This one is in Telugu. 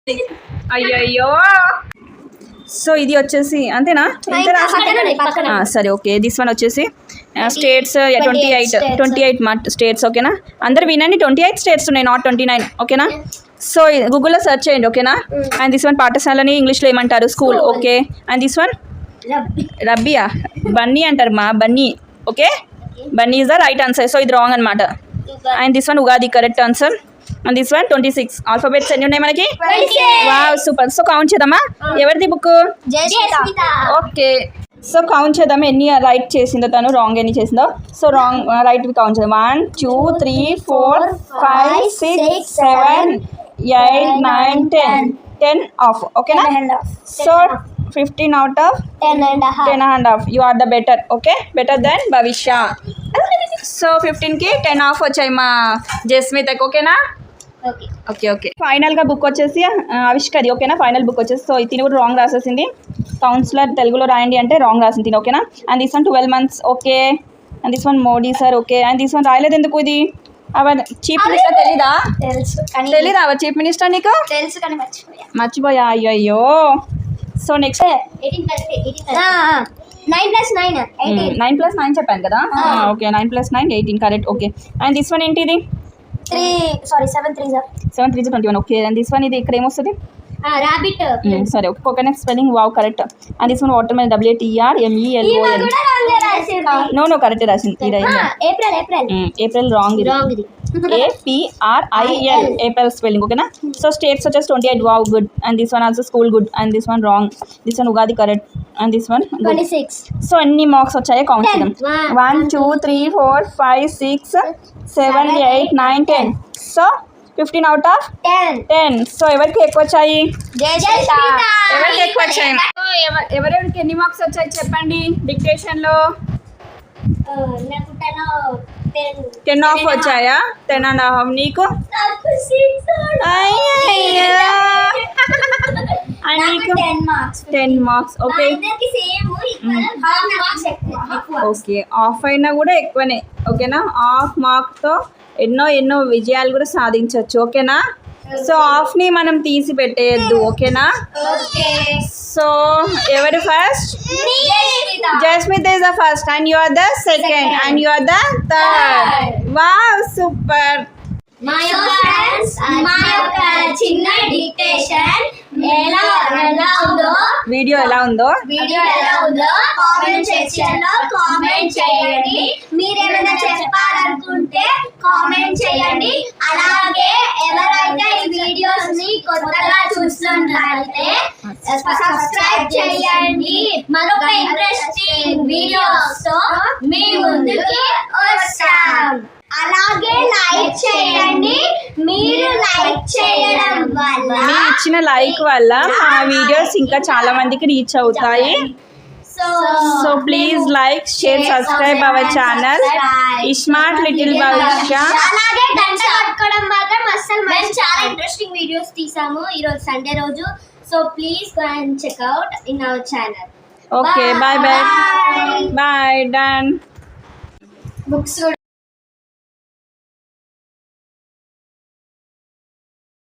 అయ్యయ్యో. సో ఇది వచ్చేసి అంతేనా? సరే ఓకే. దిస్ వన్ వచ్చేసి స్టేట్స్ 28 స్టేట్స్. ఓకేనా? అందరు వినండి, 28 స్టేట్స్ ఉన్నాయి, నాట్ 29. ఓకేనా? సో గూగుల్లో సెర్చ్ చేయండి. ఓకేనా? అండ్ దిస్ వన్ పాఠశాలని ఇంగ్లీష్లో ఏమంటారు? School. Okay. And this one రబ్బియా, బన్నీ అంటారు మా bunny. Okay, bunny is the right answer. So ఇది రాంగ్ అనమాట. And this one Ugadi, correct answer. And this one 26 alphabets ఎన్ని ఉన్నాయి మనకి? Wow, super. సో కౌంట్ చేద్దామా? ఎవరిది బుక్? ఓకే. సో కౌంట్ చేద్దాం ఎన్ని రైట్ చేసిందో తను, రాంగ్ ఎన్ని చేసిందో. సో రాంగ్ రైట్ కౌంట్ చేద్దాం. 1 2 3 4 5 6 7 8 9 10 ఆఫ్. ఓకేనా? So 15 out of 10.5. You are the better. Okay, better than Bhavishya. So 15కి 10 ఆఫ్ వచ్చాయి మా జస్మితకి. ఓకేనా? Okay okay. ఫైనల్గా బుక్ వచ్చేసి ఆవిష్కరి. ఓకేనా? ఫైనల్ బుక్ వచ్చేసి. సో తిని కూడా రాంగ్ రాసేసింది. కౌన్సిలర్ తెలుగులో రాయండి అంటే రాంగ్ రాసింది తిని. ఓకేనా? And this one 12 months. Okay. And this one Modi sir. Okay. And this one రాయలేదు ఎందుకు? ఇది అవర్ చీఫ్ మినిస్టర్. తెలీదా అవర్ చీఫ్ మినిస్టర్? నీకు మర్చిపోయా? అయ్యో. సో నెక్స్ట్ 9 + 9 చెప్పాను కదా. Okay, 9 + 9 18. Correct. Okay. And this one ఏంటి? ఇది 7 3 21. ఓకే. అండ్ దిస్ వన్ ఇది ఇక్కడ ఏమొస్తుంది? రాబిట్. సరే okay. Coconut spelling wow, correct. And this one watermelon WATRMELON. No correct రాసింది. April wrong. ఇది APRIL ఏప్రిల్ స్పెల్లింగ్. ఓకేనా? సో స్టేట్స్ వచ్చేసి 28. Wow, good. And this one also school, good. And this one wrong. This one Ugadi, correct. And this one 26. So ఎన్ని మార్క్స్ వచ్చాయో కౌంట్ చేద్దాం. 1 2 3 4 5 6 7 8 9 10. So 15 out of 10. సో ఎవరికి ఎక్కువ వచ్చాయి? ఎవరికి ఎక్కువ వచ్చాయి? ఎవరెవరికి ఎన్ని మార్క్స్ వచ్చాయి చెప్పండి డిక్టేషన్లో. 10 ఆఫ్ వచ్చాయా? 10.5. నీకు? నీకు 10 మార్క్స్. Okay okay. ఆఫ్ అయినా కూడా ఎక్కువనే. ఓకేనా? ఆఫ్ మార్క్తో ఎన్నో విజయాలు కూడా సాధించవచ్చు. ఓకేనా? సో ఆఫ్ని మనం తీసి పెట్టేయద్దు. ఓకేనా? సో ఎవరు first? Jasmitha is the first and you are the second and you are the third. Wow, super. మా యొక్క చిన్న డిక్టేషన్ వీడియో ఎలా ఉందో కామెంట్ సెక్షన్ లో కామెంట్ చేయండి. మీరేమైనా చెప్పాలనుకుంటే కామెంట్ చేయండి. అలాగే ఎవరైతే ఈ వీడియోస్ ని కొత్తగా చూస్తున్నట్లయితే సబ్స్క్రైబ్ చేయండి. మరొక ఇంట్రెస్టింగ్ వీడియోస్ తో మీ ముందుకి వస్తాం. అలాగే లైక్ చేయండి. మీరు లైక్ చేయడం వల్ల, మీరు ఇచ్చిన లైక్ వల్ల మా వీడియోస్ ఇంకా చాలా మందికి రీచ్ అవుతాయి. So please like, share, subscribe our channel smart little Bhavishya. అలాగే గంట కొట్టుకోవడం మాత్రం అస్సలు మేము చాలా ఇంట్రెస్టింగ్ వీడియోస్ తీసాము ఈ రోజు సండే రోజు. So please go and check out in our channel. Okay, bye bye. Done. Books